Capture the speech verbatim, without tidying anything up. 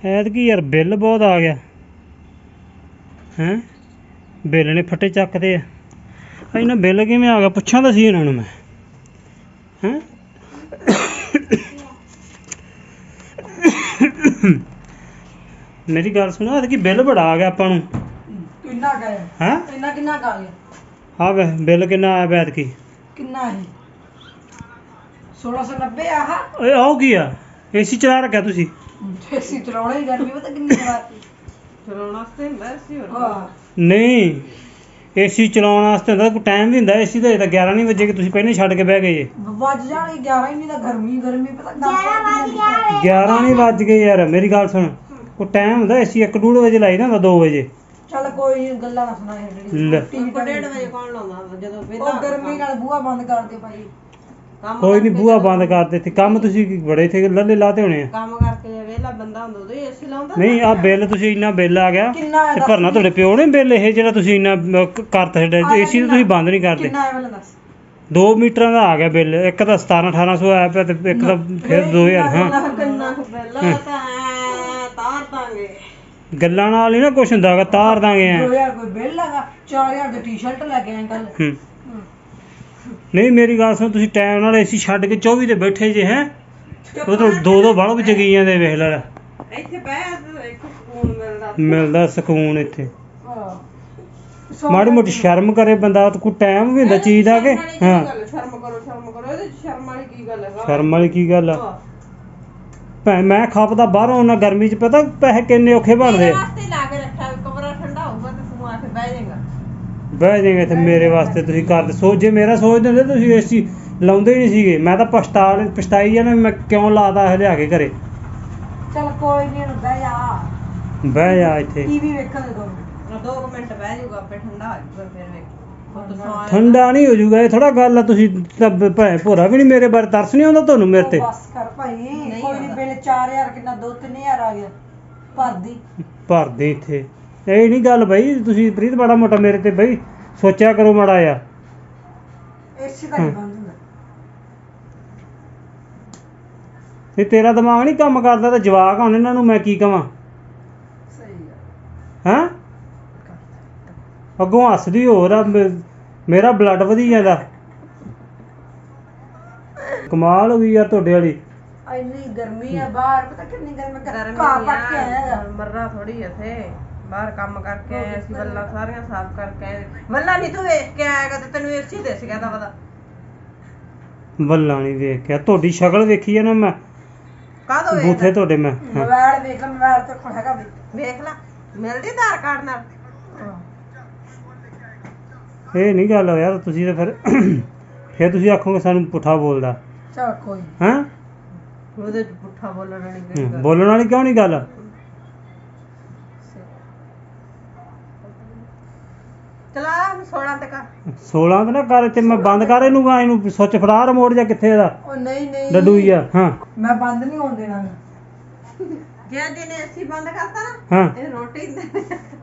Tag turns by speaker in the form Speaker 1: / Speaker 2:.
Speaker 1: ਐਤਕੀ ਯਾਰ ਬਿੱਲ ਬਹੁਤ ਆ ਗਿਆ ਹੈਂ ਬਿੱਲ ਨੇ ਫੱਟੇ ਚੱਕਦੇ ਆ ਇਹਨਾਂ ਬਿੱਲ ਕਿਵੇਂ ਆ ਗਿਆ ਪੁੱਛਾਂ ਤਾਂ ਸੀ ਇਹਨਾਂ ਨੂੰ ਮੈਂ ਹੈਂ ਮੇਰੀ ਗੱਲ ਸੁਣੋ ਐਤਕੀ ਬਿੱਲ ਬੜਾ ਆ ਗਿਆ ਆਪਾਂ ਨੂੰ
Speaker 2: ਕਿੰਨਾ ਗਿਆ
Speaker 1: ਹੈਂ
Speaker 2: ਇੰਨਾ ਕਿੰਨਾ ਕਾ ਗਿਆ
Speaker 1: ਆ ਵੇ ਬਿੱਲ ਕਿੰਨਾ ਆਇਆ ਐਤਕੀ
Speaker 2: ਕਿੰਨਾ ਹੈ सोलह सौ नब्बे आह
Speaker 1: ਓਏ ਆਓ ਕੀ ਆ ਏਸੀ ਚਲਾ ਰੱਖਿਆ ਤੁਸੀਂ
Speaker 2: एसी चलाना ही गर्मी पता कितनी चलाती चलाने वास्ते ਹੁੰਦਾ एसी ਹੋਰ ਹਾਂ
Speaker 1: ਨਹੀਂ ਏਸੀ ਚਲਾਉਣ ਵਾਸਤੇ ਹੁੰਦਾ ਕੋਈ ਟਾਈਮ ਵੀ ਹੁੰਦਾ ਏਸੀ ਦਾ ਤਾਂ ਗਿਆਰਾਂ ਨਹੀਂ ਵਜੇ ਕਿ ਤੁਸੀਂ ਪਹਿਲਾਂ ਛੱਡ ਕੇ ਬਹਿ ਗਏ ਜੇ
Speaker 2: ਵੱਜ ਜਾਣਗੇ ਗਿਆਰਾਂ ਹੀ ਨਹੀਂ ਤਾਂ ਗਰਮੀ ਗਰਮੀ ਪਤਾ ਗਿਆਰਾਂ ਵੱਜ ਗਿਆ
Speaker 1: ਗਿਆਰਾਂ ਨਹੀਂ ਵੱਜ ਗਏ ਯਾਰ ਮੇਰੀ ਗੱਲ ਸੁਣ ਕੋਈ ਟਾਈਮ ਹੁੰਦਾ ਏਸੀ ਇੱਕ ਡੂਢ ਵਜੇ ਲਾਈ ਨਾ ਹੁੰਦਾ ਦੋ ਵਜੇ
Speaker 2: ਚੱਲ ਕੋਈ ਨੀ, ਗੱਲਾਂ ਨਾ ਸੁਣਾ
Speaker 1: ਲੈ।
Speaker 2: ਜਿਹੜੀ ਡੇਢ ਵਜੇ ਕੌਣ ਲਾਉਂਦਾ ਜਦੋਂ ਵੇਲਾ ਉਹ ਗਰਮੀ ਨਾਲ ਬੂਹਾ ਬੰਦ ਕਰ ਦੇ ਭਾਈ
Speaker 1: ਕੋਈ ਨਹੀਂ ਬੂਹਾ ਬੰਦ ਕਰ ਦਿੱਤੀ ਕੰਮ ਤੁਸੀਂ ਬੜੇ ਥੇ ਲੱਲੇ ਲਾਤੇ ਹੋਣੇ ਆ
Speaker 2: ਕੰਮ ਕਰਕੇ ਜੇ ਵੇਲਾ ਬੰਦਾ ਹੁੰਦਾ ਉਦੋਂ ਏਸੀ ਲਾਉਂਦਾ
Speaker 1: ਨਹੀਂ ਆ ਬਿੱਲ ਤੁਸੀਂ ਇੰਨਾ ਬਿੱਲ ਆ ਗਿਆ ਤੇ ਭਰਨਾ ਤੁਹਾਡੇ ਪਿਓ ਨੇ ਬਿੱਲ ਇਹ ਜਿਹੜਾ ਤੁਸੀਂ ਇੰਨਾ ਅਹ, ਕ- ਕਰਤਾ ਛੱਡਿਆ ਏਸੀ ਤਾਂ ਤੁਸੀਂ ਬੰਦ ਨਹੀਂ ਕਰਦੇ
Speaker 2: ਕਿੰਨਾ ਆਇਆ ਦੱਸ
Speaker 1: ਦੋ ਮੀਟਰਾਂ ਦਾ ਆ ਗਿਆ ਬਿੱਲ ਇੱਕ ਤਾਂ ਸਤਾਰਾਂ ਅਠਾਰਾਂ ਸੌ ਆਇਆ ਪਿਆ ਤੇ ਇੱਕ ਤਾਂ ਫਿਰ ਦੋ ਹਜ਼ਾਰ ਹਾਂ
Speaker 2: ਕਿੰਨਾ ਬਿੱਲ ਤਾਂ ਤਾਰ ਦਾਂਗੇ
Speaker 1: ਗੱਲਾਂ ਨਾਲ ਹੀ ਨਾ ਕੁਛ ਹੁੰਦਾ ਗਾ ਤਾਰ ਦਾਂਗੇ ਐ
Speaker 2: ਦੋ ਹਜ਼ਾਰ ਕੋਈ ਬਿੱਲ ਹੈਗਾ ਚਾਰ ਹਜ਼ਾਰ ਦੀ ਟੀ-ਸ਼ਰਟ ਲੈ ਕੇ ਆਏ ਕੱਲ
Speaker 1: ਹੂੰ ਨਹੀਂ ਮੇਰੀ ਗੱਲ ਸੁਣ ਤੁਸੀਂ ਟਾਈਮ ਨਾਲ ਏਸੀ ਛੱਡ ਕੇ ਚੌਵੀ ਤੇ ਬੈਠੇ ਜੇ ਹੈ ਉਹ ਤਾਂ ਦੋ ਦੋ ਬਲਬ ਜਗੀ ਜਾਂਦੇ ਵੇਖ ਲੈ
Speaker 2: ਇੱਥੇ ਬਹਿ ਇੱਕ ਸਕੂਨ ਮਿਲਦਾ
Speaker 1: ਮਿਲਦਾ ਸਕੂਨ ਇੱਥੇ
Speaker 2: ਹਾਂ
Speaker 1: ਮਾੜੀ ਮੋਟੀ ਸ਼ਰਮ ਕਰੇ ਬੰਦਾ ਤਾਂ ਕੋਈ ਟਾਈਮ ਵੀ ਹੁੰਦਾ ਚੀਜ਼ ਦਾ ਕਿ ਹਾਂ
Speaker 2: ਸ਼ਰਮ ਕਰੋ ਸ਼ਰਮ ਕਰੋ ਇਹਦੇ ਚ ਸ਼ਰਮ ਵਾਲੀ ਕੀ ਗੱਲ ਹੈ
Speaker 1: ਸ਼ਰਮ ਵਾਲੀ ਕੀ ਗੱਲ ਆ ਭੈ ਮੈਂ ਖਪਦਾ ਬਾਹਰੋਂ ਉਹਨਾਂ ਗਰਮੀ 'ਚ ਪਤਾ ਪੈਸੇ ਕਿੰਨੇ ਔਖੇ ਬਣਦੇ ਆ
Speaker 2: ਵਾਸਤੇ ਲਾ ਕੇ ਰੱਖਿਆ ਕਮਰਾ ਠੰਡਾ ਹੋਊਗਾ ਤੇ ਤੂੰ ਆ ਕੇ ਬਹਿ ਜਾਏਗਾ
Speaker 1: ਬਹਿ ਜਾਏਗਾ ਇੱਥੇ ਮੇਰੇ ਵਾਸਤੇ ਤੁਸੀਂ ਕਰਦੇ ਸੋਚ ਜੇ ਮੇਰਾ ਸੋਚਦੇ ਹੁੰਦੇ ਤੁਸੀਂ ਏਸੀ ਲਾਉਂਦੇ ਹੀ ਨਹੀਂ ਸੀਗੇ ਮੈਂ ਤਾਂ ਪਛਤਾ ਪਛਤਾਈ ਜਾਣਾ ਮੈਂ ਕਿਉਂ ਲਾਦਾ ਇਹ ਲਿਆ ਕੇ ਘਰੇ
Speaker 2: ਚਲ ਕੋਈ ਨਹੀਂ ਬਹਿ ਜਾ
Speaker 1: ਬਹਿ ਜਾ ਇੱਥੇ
Speaker 2: ਟੀਵੀ ਵੇਖਣ ਦੇ ਦੋ ਦੋ ਮਿੰਟ ਬਹਿ ਜਾਊਗਾ ਆਪੇ ਠੰਡਾ ਹੋ ਜਾਊਗਾ ਫਿਰ ਵੇਖ
Speaker 1: ਠੰਡਾ ਨਹੀਂ ਹੋ ਜਾਊਗਾ ਇਹ ਥੋੜਾ ਗੱਲ ਆ ਤੁਸੀਂ ਤਾਂ ਭੈ ਭੋਰਾ ਵੀ ਨਹੀਂ ਮੇਰੇ ਬਾਰੇ ਤਰਸ ਨਹੀਂ ਆਉਂਦਾ ਤੁਹਾਨੂੰ ਮੇਰੇ ਤੇ
Speaker 2: ਬਸ ਕਰ ਭਾਈ ਕੋਈ ਨਹੀਂ ਬਿੱਲ ਚਾਰ ਹਜ਼ਾਰ ਕਿੰਨਾ ਦੋ ਤਿੰਨ ਹਜ਼ਾਰ ਆ ਗਿਆ ਭਰਦੀ
Speaker 1: ਭਰਦੇ ਇੱਥੇ ਇਹ ਨਹੀਂ ਗੱਲ ਬਈ ਤੁਸੀਂ ਪ੍ਰੀਤ ਬੜਾ ਮੋਟਾ ਮੇਰੇ ਤੇ ਬਈ ਸੋਚਿਆ ਕਰੋ ਮਾੜਾ ਆ
Speaker 2: ਏਸੀ ਤਾਂ ਨਹੀਂ ਬੰਦ ਹੁੰਦਾ
Speaker 1: ਤੇ ਤੇਰਾ ਦਿਮਾਗ ਨਹੀਂ ਕੰਮ ਕਰਦਾ ਤਾਂ ਜਵਾਕ ਹੁਣ ਇਹਨਾਂ ਨੂੰ ਮੈਂ ਕੀ ਕਵਾਂ
Speaker 2: ਸਹੀ ਗੱਲ
Speaker 1: ਹੈਂ ਅੱਗੋਂ ਹੱਸਦੀ ਹੋਰ ਆ ਮੇ- ਮੇਰਾ ਬਲੱਡ ਵਧੀ ਜਾਂਦਾ ਕਮਾਲ ਹੋ ਗਈ ਯਾਰ ਤੁਹਾਡੇ ਵਾਲੀ
Speaker 2: ਇੰਨੀ ਗਰਮੀ ਆ ਬਾਹਰ ਪਤਾ ਕਿੰਨੀ ਗਰਮੀ ਕਰ ਘਾਹ ਪੱਟ ਕੇ ਆਇਆ ਮਰਨਾ ਥੋੜੀ ਇੱਥੇ ਬਾਹਰ ਕੰਮ ਕਰਕੇ ਆਏ ਅਸੀਂ ਵੱਲਾਂ ਸਾਰੀਆਂ ਸਾਫ਼ ਕਰਕੇ ਆਏ ਵੱਲਾਂ ਨਹੀਂ ਤੂੰ ਵੇਖ ਕੇ ਆਏਗਾ ਤੇ ਤੈਨੂੰ ਏਸੀ ਦੇ ਸੀਗਾ ਤਾਂ ਪਤਾ
Speaker 1: ਵੱਲਾਂ ਨਹੀਂ ਵੇਖ ਕੇ ਤੁਹਾਡੀ ਸ਼ਕਲ ਵੇਖੀ ਆ ਨਾ ਮੈਂ
Speaker 2: ਕਾਹਦੋਂ ਵੇਖ
Speaker 1: ਬੂਥੇ ਤੁਹਾਡੇ ਮੈਂ ਹਾਂ।
Speaker 2: ਮੋਬਾਈਲ ਵੇਖ ਲੈ ਮੋਬਾਈਲ ਤੇ ਕੋਲ ਹੈਗਾ ਵੀ ਵੇਖ ਲੈ ਮਿਲਦੀ ਆਧਾਰ ਕਾਰਡ ਨਾਲ
Speaker 1: ਇਹ ਨਹੀਂ ਗੱਲ ਯਾਰ ਤੁਸੀਂ ਤਾਂ ਫਿਰ ਫਿਰ ਤੁਸੀਂ ਆਖੋਗੇ ਸਾਨੂੰ ਪੁੱਠਾ ਬੋਲਦਾ
Speaker 2: ਚਲ ਕੋਈ
Speaker 1: ਹੈਂ
Speaker 2: ਉਹਦੇ ਚ ਪੁੱਠਾ ਬੋਲਣ ਵਾਲੀ ਕੋਈ
Speaker 1: ਹੂੰ, ਬੋਲਣ ਵਾਲੀ ਕਿਉਂ ਨਹੀਂ ਗੱਲ
Speaker 2: ਚਲਾ ਸੋਲਾਂ ਤੱਕ
Speaker 1: ਸੋਲਾਂ ਤੇ ਨਾ ਕਰ ਤੇ ਮੈਂ ਬੰਦ ਕਰ ਇਹਨੂੰ ਗਾ ਇਹਨੂੰ ਸੁੱਚ ਫੜਾ ਰਿਮੋਟ ਜਾਂ ਕਿੱਥੇ ਇਹਦਾ
Speaker 2: ਉਹ ਨਹੀਂ ਨਹੀਂ
Speaker 1: ਡੱਡੂ ਹੀ ਆ ਹਾਂ
Speaker 2: ਮੈਂ ਬੰਦ ਨਹੀਂ ਹੋਣ ਦੇਣਾ ਜੇ ਜਿਹਨੇ ਅਸੀਂ ਬੰਦ ਕਰਤਾ ਨਾ
Speaker 1: ਹਾਂ
Speaker 2: ਇਹ ਰੋਟੀ